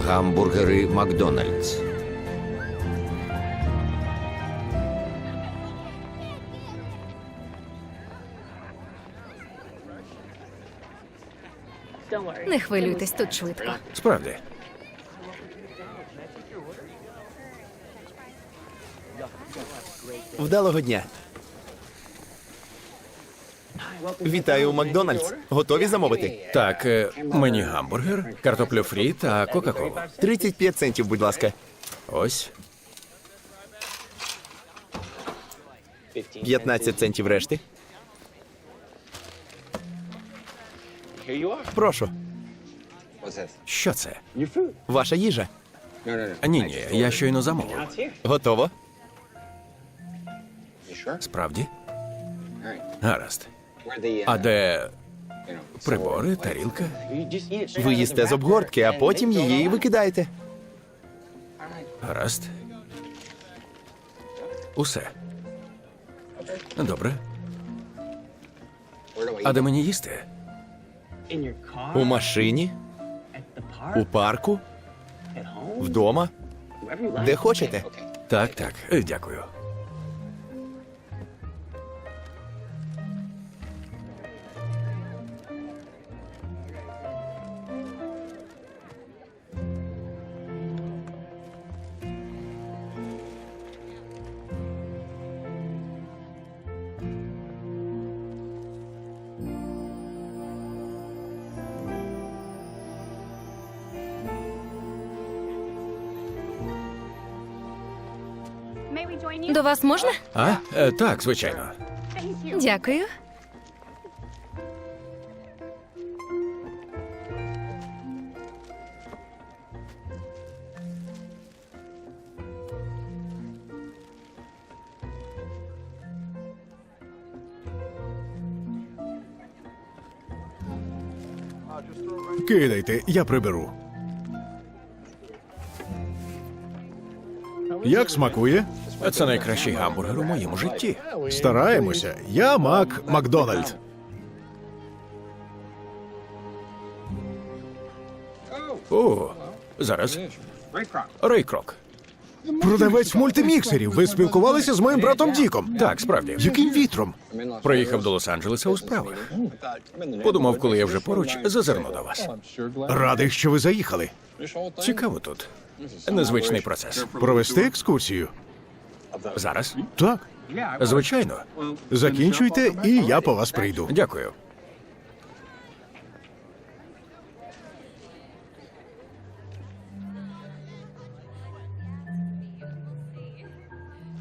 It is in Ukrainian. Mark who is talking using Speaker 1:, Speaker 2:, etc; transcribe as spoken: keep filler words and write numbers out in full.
Speaker 1: Гамбургери Макдональдс.
Speaker 2: Не хвилюйтесь, тут швидко.
Speaker 1: Справді.
Speaker 3: Вдалого дня. Вітаю у Макдональдс. Готові замовити?
Speaker 1: Так, е, мені гамбургер, картоплю фрі та кока-колу.
Speaker 3: тридцять п'ять центів, будь ласка.
Speaker 1: Ось.
Speaker 3: п'ятнадцять центів решти. Прошу.
Speaker 1: Що це?
Speaker 3: Ваша їжа.
Speaker 1: А, ні, ні, я щойно замовив.
Speaker 3: Готово.
Speaker 1: Справді? Гаразд. А де прибори, тарілка?
Speaker 3: Ви їсте з обгортки, а потім її викидаєте.
Speaker 1: Гаразд. Усе. Добре. А де мені їсти?
Speaker 3: У машині, у парку, вдома, де хочете.
Speaker 1: Так, так, е, дякую.
Speaker 2: До вас можна?
Speaker 1: А? Е, так, звичайно.
Speaker 2: Дякую.
Speaker 4: Кидайте, я приберу. Як смакує?
Speaker 1: Це найкращий гамбургер у моєму житті.
Speaker 4: Стараємося. Я Мак Макдональд.
Speaker 1: О, зараз. Рейкрок.
Speaker 4: Продавець мультиміксерів. Ви спілкувалися з моїм братом Діком?
Speaker 1: Так, справді.
Speaker 4: Яким вітром?
Speaker 1: Приїхав до Лос-Анджелеса у справах. Подумав, коли я вже поруч, зазирну до вас.
Speaker 4: Радий, що ви заїхали.
Speaker 1: Цікаво тут. Незвичний процес.
Speaker 4: Провести екскурсію?
Speaker 1: Зараз?
Speaker 4: Так.
Speaker 1: Звичайно.
Speaker 4: Закінчуйте, і я по вас прийду.
Speaker 1: Дякую.